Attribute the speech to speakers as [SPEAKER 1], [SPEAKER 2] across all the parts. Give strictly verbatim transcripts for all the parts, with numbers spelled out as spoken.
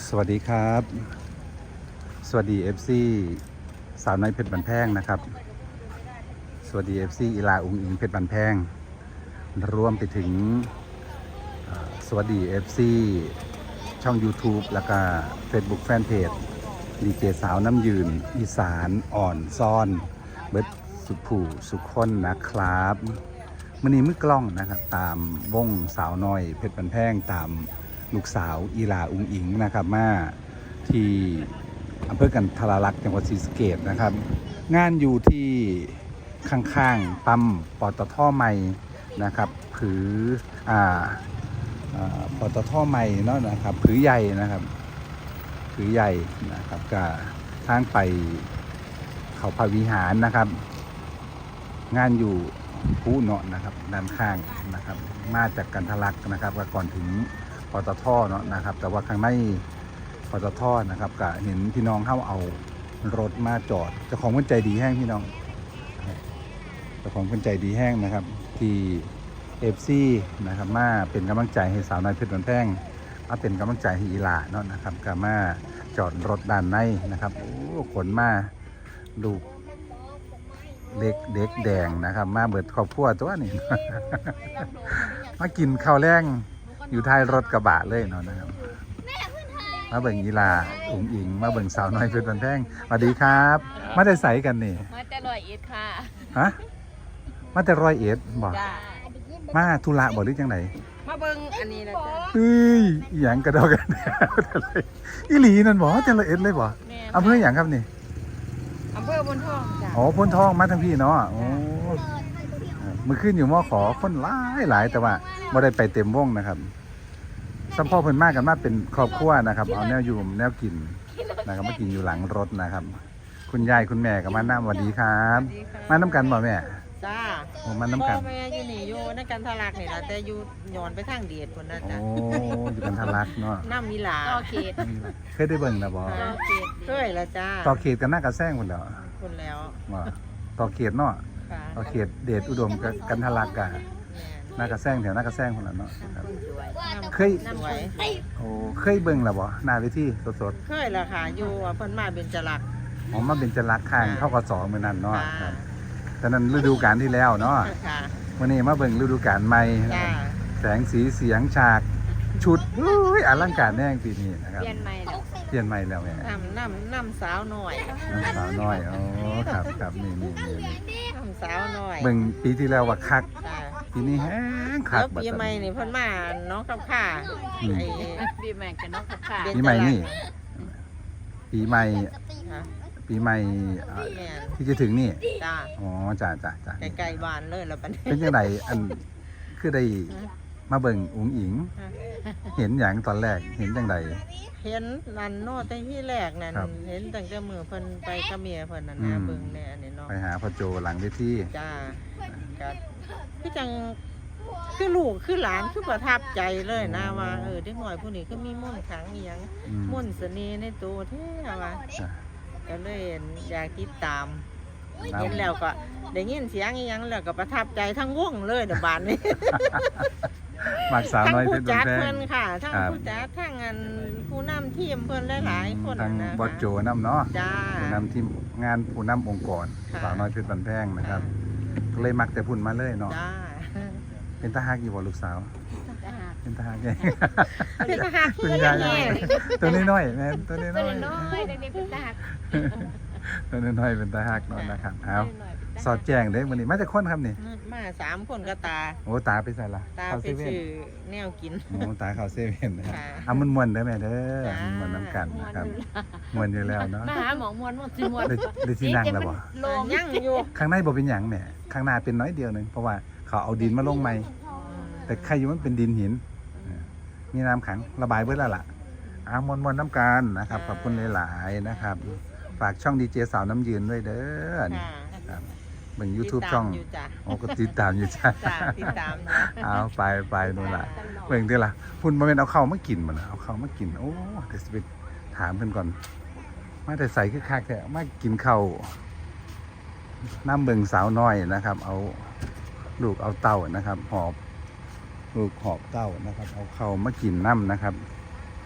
[SPEAKER 1] สวัสดีครับ สวัสดี เอฟ ซี สาวน้อยเพชรบันแพงนะครับสวัสดี เอฟ ซี อีลาอุงอิงเพชรบันแพงรวมไปถึงสวัสดี เอฟ ซี ช่อง YouTube แล้วก็ Facebook Fanpage ดีเจสาวน้ำยืนอีสานอ่อนซ่อนเบิดสุดผู้สุขคนนะครับมื้อนี้มือกล้องนะครับตามวงสาวน้อยเพชรบันแพงตามลูกสาวอีลาอุงอิงนะครับมาที่อำเภอกันทราลักษณ์จังหวัดศรีสะเกษนะครับงานอยู่ที่ข้างๆปั๊มปตท.ใหม่นะครับผืออ่าปตท.ใหม่เนาะนะครับผือใหญ่นะครับผือใหญ่นะครับก็ทางไปเขาพระวิหารนะครับงานอยู่ผู้เนาะนะครับด้านข้างนะครับมาจากกันทราลักษณ์นะครับก็ก่อนถึงปตท.เนาะนะครับแต่ว่าข้างในปตท.นะครับก็เห็นพี่น้องเข้าเอารถมาจอดเจ้าของคนใจดีแห้งพี่น้องเจ้าของคนใจดีแห้งนะครับที่ เอฟ ซี นะครับมาเป็นกำลังใจให้สาวน้อยเพชรบันแพงมาเป็นกำลังใจให้อีหลาเนาะนะครับก็มาจอดรถด้านในนะครับโอ้ขนมาลูกเด็กเด็กแดงนะครับมาเบิดครอบครัวตัวนี้ มากินข้าวแรงอยู่ท้ายรถกระบะเลยเนาะนะครับมาเบิ่งยีลาอุ๋งอิงมาเบิ่งสาวน้อยเพชรบันแพงสวัสดีครับมาได้ใส่กันนี่
[SPEAKER 2] มาแต่ร้อยเอ็ดค่ะ
[SPEAKER 1] ฮะมาแต่ร้อยเอ็ดบอกมาธุระบอกหรือจังไหน
[SPEAKER 2] มาเบิ่งอันนี้นะจ๊ะ
[SPEAKER 1] เอ้ยหยังกระดอกกันอีหลีนั่นบอกแต่ร้อยเอ็ดเลยบอกอำเภอหยังครับนี่
[SPEAKER 2] อำเภอพนทองจ้ะ
[SPEAKER 1] อ๋อพนทองมาทั้งพี่เนาะโอ้มือขึ้นอยู่มอขอคนหลายหลายแต่ว่าไม่ได้ไปเต็มวงนะครับสัมพ่อเพิ่นมากกันมาเป็นครอบครัวนะครับเอาแนวอยู่แนวกินนะครับมากินอยู่หลังรถนะครับคุณยายคุณแม่กับมาน้ำสวัสดีครับมาน้ำกันบ่แม่
[SPEAKER 2] จ้า
[SPEAKER 1] โอ้มาน้ำกัน
[SPEAKER 2] พ่อแม่อยู่นี่อยู่ในกันทารักนี่ล่ะแต่อยู่ย้อนไปทางเดียดพุ่นนะจ๊ะ
[SPEAKER 1] โอ้อยู่กันทารักเนาะ
[SPEAKER 2] น้ำมีหลาต่อเขต
[SPEAKER 1] เคยได้เบิ่งนะบ่
[SPEAKER 2] ต่อเขตเคยละจ้า
[SPEAKER 1] ต่อเขตกันหน้ากระแซงพุ่นแล้ว
[SPEAKER 2] พุ่นแล้ว
[SPEAKER 1] บ่ต่อเขตเนาะต่อเขตเดชอุดมกันทารักกะหน้ากระแซงแถวหน้ากระแซงพุ่นแล้วเนาะเคยโอ้เคยเบิ่งแล้วบ่หน้าเวทีสด
[SPEAKER 2] ๆเคยละค่ะอยู่เพิ่นมาเบญจลักษณ์
[SPEAKER 1] อ๋อมาเบญจลักษณ์ข้างเท่ากับสองมื้อนั้นเนาะตอนนั้นฤดูกาลที่แล้วเนาะวันนี้มาเบิ่งฤดูกาลใหม่แสงสีเสียงฉากชุดอลังการแน่งปีนี้นะครับ
[SPEAKER 2] เปลี่ยนใหม่แล้ว
[SPEAKER 1] เปลี่ยนใหม่แล้วแม่
[SPEAKER 2] น้ำน้ำน้ำสาวหน่อย
[SPEAKER 1] น้ำสาวน้อยอ๋อครับครับนี่นี่
[SPEAKER 2] นี่น้ำสาวหน่อย
[SPEAKER 1] เบิ่งปีที่แล้วว่าคักปีนี้แห้งคัก
[SPEAKER 2] ปีใหม่นี่เพิ่นมาน้องกับข้าไอ้ปีใหม่กับน้องกับข้า
[SPEAKER 1] ปีใหม่นี่ปีใหม่ปีใหม่ที่จะถึงนี่
[SPEAKER 2] จ้า
[SPEAKER 1] อ๋อจ้าจ้าจ้า
[SPEAKER 2] ไกลๆบ้านเลยแล้วปัน
[SPEAKER 1] เป็นยังไงอันคือได้มาเบิ่งอุ๋งอิงเห็นอย่างตอนแรกเห็นจังได
[SPEAKER 2] เห็นนั่นโน่แต่ที่แรกนั่นเห็นตั้งแต่มือเพิ่นไปกับเมียเพิ่นนั่นนะเบิ่งแน่อันนี้เนาะ
[SPEAKER 1] ไปหาพ่อโจหลังเวที
[SPEAKER 2] จ้าก็คือจังคือลูกคือหลานคือประทับใจเลยนะว่าเออเด็กน้อยผู้นี้ก็มีมนต์ขลังอีหยังมนต์เสน่ห์ในตัวแท้ว่าก็เลยอยากติดตามเห็นแล้วก็ได้ยินเสียงอีหยังแล้วก็ประทับใจทั้งวงเลยเดี๋ยวบานนี้
[SPEAKER 1] มักสาวน้อยเพชรบันแพง
[SPEAKER 2] ทั้งผู้จัดเพิ่นค่ะทั้งผู้จัดทั้งอันผู้นำทีมเพิ่นหลายๆคน
[SPEAKER 1] ทั้งบอสโจนำเนาะผู้นำทีมงานผู้นำองค์กรสาวน้อยเพชรบันแพงนะครับก็เลยมักแต่พุ่นมาเลยเนาะเป็นตาฮักอยู่บ่ลูกสาวเป็นตาฮักไง
[SPEAKER 2] เป็นตาฮัก
[SPEAKER 1] คุณยายตัวน้อยๆแม่ตัวน้อยๆตัว
[SPEAKER 2] น้อยๆเด็กๆเป็นตาฮัก
[SPEAKER 1] ตัวน้อยๆเป็นตาฮักเนาะนะครับเอาสอดแจ้งเด้มื้อนี้มาจากคนครับนี่
[SPEAKER 2] มาสามคนก็ตา
[SPEAKER 1] โอ้ตาไปใส่ละ
[SPEAKER 2] ตาไปซื้อแนวกิน
[SPEAKER 1] โอ้ตาเข้าเซเว่นนะเอามันม่วนได้แม่เด้อม่วนน้ำกันนะครับม่วนอยู่แล้วเนาะ
[SPEAKER 2] มาหาหมอม่วนม่วนสิม่วน
[SPEAKER 1] ได้ที่นั่งแล้วบ่
[SPEAKER 2] ยังอยู่
[SPEAKER 1] ข้างในบ่เป็นหยังแม่ข้างหน้าเป็นน้อยเดียวนึงเพราะว่าเขาเอาดินมาลงใหม่แต่ใครอยู่มันเป็นดินหินมีน้ำขังระบายเบิดแล้วล่ะอามวนๆน้ำกันนะครับขอบคุณหลายๆนะครับฝากช่องดีเจสาวน้ำยืนด้วยเด้อนี่ครับเป็น YouTube ช่องโอ้ก็ติดตามอยู่จ้า
[SPEAKER 2] ติดตาม
[SPEAKER 1] เอาไปไปนู่นล่ะเบิ่งเด้อล่ะพุ่นบ่แม่นเอาเข้ามากินบ่น่ะเอาเข้ามากินโอ้เดี๋ยวสิไปถามเพิ่นก่อนมาแต่ใส่คือคักแท้มากินข้าวน้ำเบิ่งสาวน้อยนะครับเอาลูกเอาเต้านะครับหอบลูกหอบเต้านะครับเอาเข้ามากินน้ำนะครับ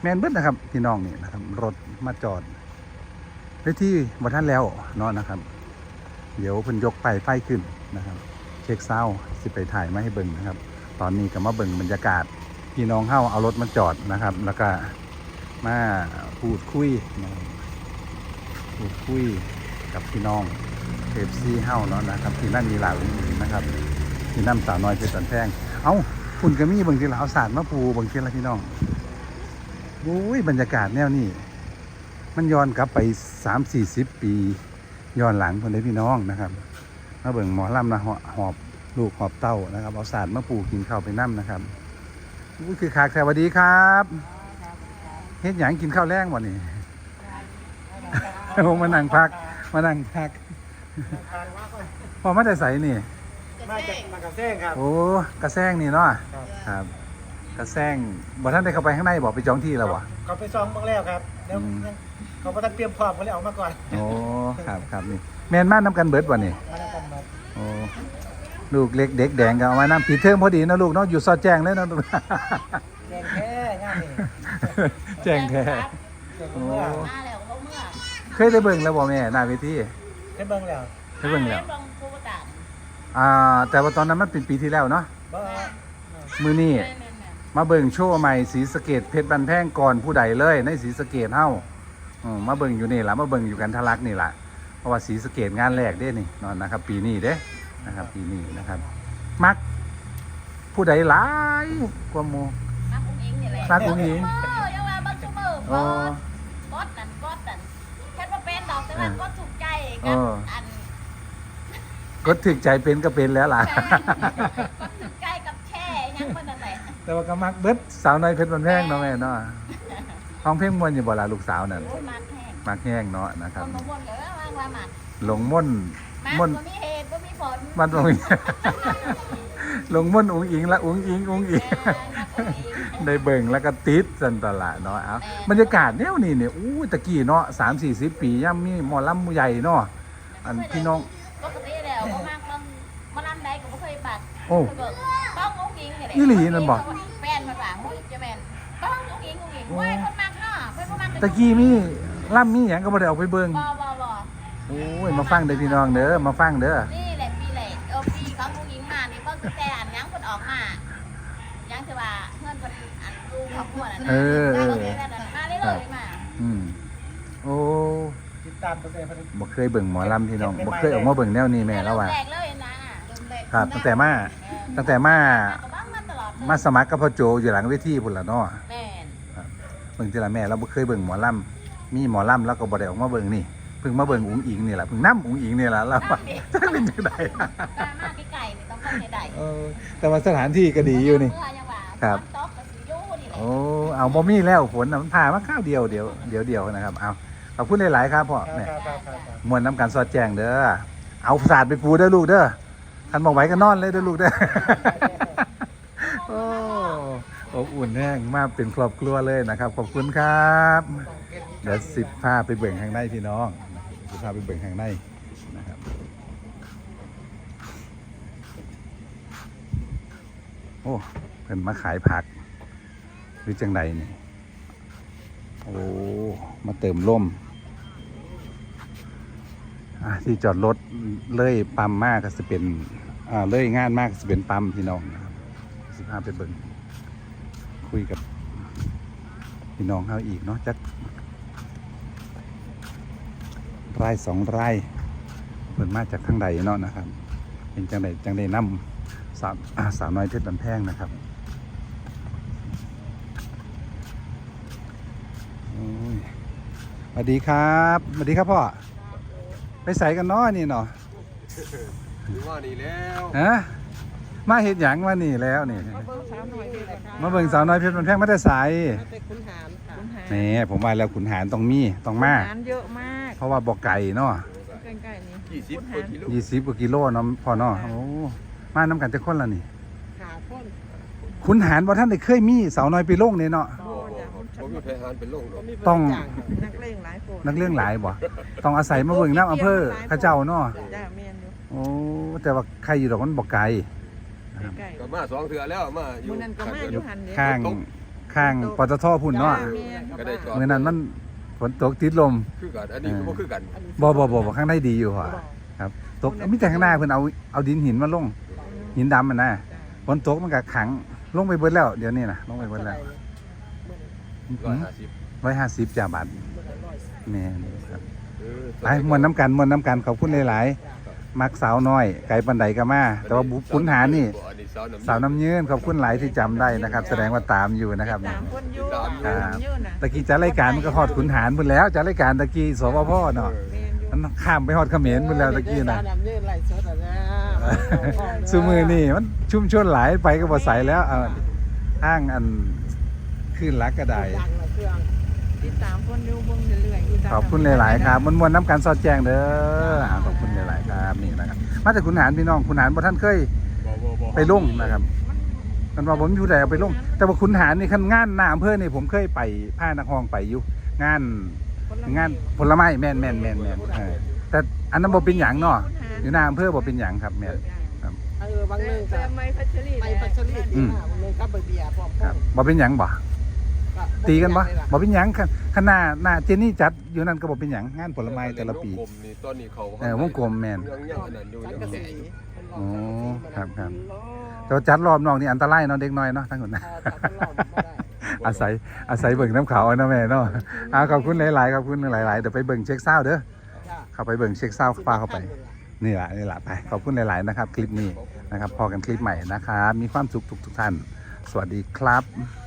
[SPEAKER 1] แมนเบิดนะครับพี่น้องนี่นะครับรถมาจอดไว้ที่บ่ท่านแล้วเนาะนะครับเดี๋ยวเพิ่นยกไปไฟขึ้นนะครับเช็คเศร้าสิไปถ่ายมาให้เบิ่งนะครับตอนนี้ก็มาเบิ่งบรรยากาศพี่น้องเฮาเอารถมาจอดนะครับ แล้วก็มาพูดคุยนะครับพูดคุยกับพี่น้องเอฟซีเฮาเนาะนะครับที่นั่นมีหลายนะครับที่นั่นสาวน้อยเพชรบันแพงเอ้าคุณก็มีบางทีเราเอาศาสตร์มาปูบางทีละพี่น้องโอ้ยบรรยากาศแนวนี้มันย้อนกลับไปสามสี่สิบปีย้อนหลังคนได้พี่น้องนะครับมาเบิ่งหมอลำนะหอบลูกหอบเต้านะครับเอาศาสตร์มาปูกินข้าวไปน้ำนะครับอุ้ยคือขากสวัสดีครับเฮ็ดหยังกินข้าวแรงวันนี้ผมมานั่งพักมานั่งพักพอมาแต่ใสนี่
[SPEAKER 3] มาจากมากระแซงครับ
[SPEAKER 1] โอ้กระแซงนี่เนาะครับกระแซงบ่ท่านได้เข้าไปข้างในบอกไปจองที่แล้วบ่
[SPEAKER 3] เขาไปซ้อมเมื่อแล้วครับแล้ว
[SPEAKER 1] อืม
[SPEAKER 3] เขาก็ต้องเตรียมพร้อมเขาเลยออกมาก่อน
[SPEAKER 1] โอ้ครับครับนี่แมนมาน้ำกันเบิดบ่นี่
[SPEAKER 3] มาแล้วกันมา
[SPEAKER 1] โอ้ลูกเล็กเด็กแดงก็เอามาน้ำปีเทอมพอดีนะลูกเนาะอยู่ซอดแจ้งเลยนะลูก
[SPEAKER 3] แจ้งแค่ง่ายนี่
[SPEAKER 1] แจ้งแท้
[SPEAKER 3] เดี๋ยวเมื่อ
[SPEAKER 4] มาแล้วก็เมื่อ
[SPEAKER 1] เคยได้เบิ่งแล้วบ่แม่หน้าเวที
[SPEAKER 3] ให้เบิ่งแล้ว
[SPEAKER 1] เคยเบิ่งแล้ว
[SPEAKER 4] ลงปูตาม
[SPEAKER 1] อ่าแต่ว่าตอนนั้นมันเป็นปีที่แล้วเนาะ
[SPEAKER 3] บ่
[SPEAKER 1] มื้อนี้
[SPEAKER 4] แม่แม่แม่
[SPEAKER 1] มาเบิ่งโชว์ใหม่ศรีสะเกษเพชรบันแพงก่อนผู้ใดเลยในศรีสะเกษเฮาอืมมาเบิ่งอยู่นี่ล่ะมาเบิ่งอยู่กันทะลักนี่ล่ะเพราะว่าศรีสะเกษงานแรกเด้นี่นอนนะครับ ปีนี้เด้นะครับปีนี้นะครับ มักผู้ใดหลายกว่าหมู่
[SPEAKER 4] มาอุ้งอิงนี่แหละ
[SPEAKER 1] มักอุ้งอิง
[SPEAKER 4] เออยังว่าบังชุมือ
[SPEAKER 1] อ๋
[SPEAKER 4] บ
[SPEAKER 1] อ
[SPEAKER 4] อสบอสนั่นบอสนั่นแค่ว่าเป็นดอกแต่ว่าก็ถูกใจ
[SPEAKER 1] เอ
[SPEAKER 4] กับ
[SPEAKER 1] อ
[SPEAKER 4] อัน
[SPEAKER 1] ก็ถึกใจเป็นก็เป็นแล้วล่ะ
[SPEAKER 4] ก็ถูกใจกับแช่ยังมันนั่นแหละ
[SPEAKER 1] แต่ว่าก็มักเบิดสาวน้อยเพชรบันแพงเนาะแม่เนาะห้องเพลงมวนอยู่บ่ล่ะลูกสาวนั่น
[SPEAKER 4] โอ้ยมาแห้ง
[SPEAKER 1] มักแห้งเนาะนะค
[SPEAKER 4] ครับ นมาวนเลยว่างว่ามา
[SPEAKER 1] หลงม่น
[SPEAKER 4] มา
[SPEAKER 1] ม่น
[SPEAKER 4] บ่มีเหตุบ่มีผล
[SPEAKER 1] มันตรงนี้ หลงม่นอุ้งอิงละอุ้งอิงอุ้งอิง ได้เบิ่งแล้วก็ติดสันตละเนาะเอาบรรยากาศแนวนี้เนี่ยอู้ตะกี้เนาะสามสี่สิบปีย่ำมีหมอลำใหญ่เนาะอันพี่น้อง
[SPEAKER 4] ปกติแล้วบ่มากมันมันอันใดก็บ่เคยบัก
[SPEAKER 1] โอ้
[SPEAKER 4] ต้องอุ้งอิงนี่แหละ
[SPEAKER 1] อีหลีนั่นบ่
[SPEAKER 4] แฟนมาว่าหุ้ยจะแม่นต้องอุ้งอิงอุ้งอิงโอ้ยคนมักเนาะเพิ่นบ่มัก
[SPEAKER 1] ตะกี้มีล่ำมีหยังก็บ่ได้เอาไปเบิ่ง
[SPEAKER 4] บ่บ่บ่
[SPEAKER 1] โอ้ยมาฟังเด้อพี่น้องเด้อมาฟังเด้อ
[SPEAKER 4] นี่แหละปีแหละเออปีของอุ้งอิงมานี่ก็คือแต่อันยังเพิ่นออกมายังคือว่าเพื่อนเพิ่นอันดูครอบครัวนั่นน่ะ
[SPEAKER 1] เออเออ
[SPEAKER 4] มาเลยเลยมา
[SPEAKER 1] อืมโอ้
[SPEAKER 3] ติดตามตัวเอง
[SPEAKER 1] บ่เคยเบิ่งหมอลำพี่น้องบ่เคยออกมาเบิ่งแนวนี้แม่แล้วว่า
[SPEAKER 4] แรกเลยนะ
[SPEAKER 1] ครับตั้งแต่มาตั้งแต่มา
[SPEAKER 4] ก็บ้างมาตลอดเลย
[SPEAKER 1] มาสมัครกับพ่อโจอยู่หลังเวทีพุ่นล่ะเนาะ
[SPEAKER 4] แม่น
[SPEAKER 1] เบิ่งทีละแม่เราบ่เคยเบิ่งหมอลำมีหมอลำแล้วก็บ่ได้ออกมาเบิ่งนี่เพิ่งมาเบิ่งอุ๋งอิงนี่แหละเพิ่งนำอุ๋งอิงนี่แหละเราว่าจักเป็นจังได
[SPEAKER 4] มามาไกลๆนี่ต้องเข้าใจได้
[SPEAKER 1] เออแต่ว่าสถานที่ก็ดีอยู่นี่
[SPEAKER 4] เมื่ยังว่า
[SPEAKER 1] ครับ
[SPEAKER 4] ตอกกับสิอยู่นี่แหละ
[SPEAKER 1] โอ้เอาบ่มีแล้วฝนน่ะมันผ่ามาข้าวเดียวเดียวเดียวเดียวนะครับเอาขอบคุณหลายๆครับพ่อ
[SPEAKER 3] ครับ
[SPEAKER 1] แม่
[SPEAKER 3] ครับครับครับ
[SPEAKER 1] มวนน้ำกันสอดแจ้งเด้อเอาศาสตร์ไปปูเด้อลูกเด้อคันบ่ไหวก็นอนเลยเด้อลูกเด้อ โอ้อบอุ่นแห้งมากเป็นครอบครัวเลยนะครับขอบคุณครับเดี๋ยวสิบพาไปเบิ่งข้างในพี่น้องสิบพาไปเบิ่งข้างในนะครับโอ้เพิ่นมาขายผักหรือจังใดนี่โอ้มาเติมล่มอ่ะที่จอดรถเลยปั๊มมากก็จะเป็นอ่าเลยงานมากก็จะเป็นปั๊มพี่น้องนะครับสิบห้าไปเบิ่งคุยกับพี่น้องเขาอีกเนาะจักไร่สองไร่เพิ่นมาจากทางใดเนาะนะครับเป็นจังใดจังใดนำสาวอ่าสาวน้อยเพชรบันแพงนะครับโอ้ยสวัสดีครับสวัสดีครับพ่อไปใส่กันเนาะนี่เนาะ
[SPEAKER 5] ว่านี่แล้ว
[SPEAKER 1] ฮะมาเห็ดหยังมานี่แล้วนี่
[SPEAKER 2] มาเบิ่งสาวน้อยเพชรค่ะ
[SPEAKER 1] มาเบิ่งสาวน้อยเพชรมันแพงมาแต่ใส
[SPEAKER 2] มาเป็นขุนหารค่ะขุนหาร
[SPEAKER 1] นี่ผมว่าแล้วขุนหารต้องมีต้องมา
[SPEAKER 2] ขุนหารเยอะมาก
[SPEAKER 1] เพราะว่าบ่อไก่เนาะ
[SPEAKER 2] ใกล้ๆนี่
[SPEAKER 5] ยี่สิบ
[SPEAKER 2] ขุน
[SPEAKER 5] ก
[SPEAKER 2] หา
[SPEAKER 5] ว่าร กิโล
[SPEAKER 1] ยี่สิบกว่ากิโลเนาะพ่อเนาะโอ้มาน้ำกันจะคนละนี่
[SPEAKER 2] ขาพ้น
[SPEAKER 1] ขุนหารบ่ท่านได้เคยมีสาวน้อยไปลงนี่เนาะ
[SPEAKER 2] โอ้ยอย่า
[SPEAKER 5] ผมมีแพหานเป็นโรคดอก
[SPEAKER 1] ต้อง
[SPEAKER 2] นักเลงหลายคน
[SPEAKER 1] นักเรื่องหลายบ่ต้องอาศัยมาเบิ่งน้ำอำเภอข้าเจ้าเนาะ
[SPEAKER 2] จ้าแม่นอยู่
[SPEAKER 1] โอ้แต่ว่าใครอยู่ดอกมันบ่ไกล
[SPEAKER 2] ใกล้
[SPEAKER 5] ก็มาสองเถื่อแล้วมาอ
[SPEAKER 2] ๆ
[SPEAKER 5] ยู่
[SPEAKER 2] มื้อนั้นก็มาอ
[SPEAKER 5] ข้าง
[SPEAKER 2] ยู่
[SPEAKER 5] เดียว
[SPEAKER 2] หันเด้
[SPEAKER 1] ข้างข้างปตทพุ่นเนาะ
[SPEAKER 2] จ้แม่น
[SPEAKER 5] ก็ได้จอด
[SPEAKER 1] เมื่อนั้นมันฝนตกติดลม
[SPEAKER 5] คือกันอันนี้คือบ่คือกัน
[SPEAKER 1] บ่บ่บ่บ่ข้างในดีอยู่ว่ะครับตกมีแต่ข้างหน้าเพิ่นเอาเอาดินหินมาลงหินดำมันนะฝนตกมันก็ขังลงไปเบิดแล้วเดี๋ยวนี้นะลงไปเบิดแล้ว
[SPEAKER 5] ร้อยห้าสิบ
[SPEAKER 1] ร้อยห้าสิบจ้าบาทแม่นครับ
[SPEAKER 5] เออ
[SPEAKER 1] ไปมวนน้ำกันมวนน้ำกันขอบคุณหลายๆมักสาวน้อยไก่ปันไดก็มาแต่ว่าบุขุนหารนี่
[SPEAKER 5] อันนี้สาวน้ำ
[SPEAKER 1] สาวน้ำยืนขอบคุณหลายที่จำได้นะครับ แสดงว่าตามอยู่นะครับ
[SPEAKER 2] สามคนอยู่
[SPEAKER 5] ตามอยู่
[SPEAKER 2] สามอยู่น่ะ
[SPEAKER 1] ตะกี้จัดรายการมันก็ฮอดขุนหารพุ่นแล้วจัดรายการตะกี้สวพเนาะ
[SPEAKER 2] แม่นอยู่
[SPEAKER 1] มันข้ามไปฮอดเขมรพุ่นแล้วตะกี้นะ
[SPEAKER 3] สาวน้ำยืนไหลสดอ่ะนะ
[SPEAKER 1] ซูมือนี่มันชุ่มชวนหลายไปก็บ่ใสแล้วเอาห้างอันขึ้นรักก็ได้
[SPEAKER 3] ดังละเครื่อง
[SPEAKER 2] ติดตามคนอยู่เบิ่งเรื่อยๆอยู่ตาม
[SPEAKER 1] ขอบคุณหลาย ๆ ครับมวนๆน้ำกันสอดแจงเด้ออ่าขอบคุณหลาย ๆ ครับนี่นะครับมาจากขุนหารพี่น้องขุนหารบ่ท่านเคย
[SPEAKER 5] บ่บ่บ่
[SPEAKER 1] ไปลงนะครับมันว่าผมอยู่ไหนเอาไปลง แต่ว่าขุนหารนี่คันงานหน้าอำเภอนี่ผมเคยไปผ้านักห้องไปอยู่งานงานผลไม้แม่นแม่นแม่นแม่นเออแต่อันนั้นบ่เป็นหยังเนาะอยู่หน้าอำเภอบ่เป็นหยังครับแม่น
[SPEAKER 3] เออบางเรื่องก็
[SPEAKER 2] แต่ไม่พัชรี
[SPEAKER 3] ไปปัชรีที่หน้าบางเรื่องก็ไปเบียร์พร้อม
[SPEAKER 1] ครับบ่เป็นหยังบ่ตีกันบ่บ่เป็นหยังคันคันหน้าหน้าเจนี่จัดอยู่นั่นก็บ่เป็นหยังงานผลไม้แต่ละปี
[SPEAKER 5] วงกลมนี่ตอนนี้เขา
[SPEAKER 1] เออวงกลมแม่น
[SPEAKER 5] ยังยังอันนั้นอยู่
[SPEAKER 3] สัง
[SPEAKER 5] ยัง
[SPEAKER 3] กะ
[SPEAKER 5] แก่
[SPEAKER 3] สี
[SPEAKER 5] อยู่
[SPEAKER 1] โอ้ครับครับ แต่ว่าจัดรอบนอกนี่อันตรายเนาะเด็กน้อยเนาะทั้งหมดนะ อาศัยอาศัยเบิ่งน้ำเขาวเอานะแม่เนาะอ่าขอบคุณหลายๆขอบคุณหลายๆเดี๋ยวไปเบิ่งเช็คเศร้าเด้อเข้าไปเบิ่งเช็คเศร้าฟ้าเข้าไปนี่แหละนี่แหละไปขอบคุณหลายๆนะครับ คลิปนี้นะครับพอกันคลิปใหม่นะครับมีความสุขทุกๆท่าน สวัสดีครับ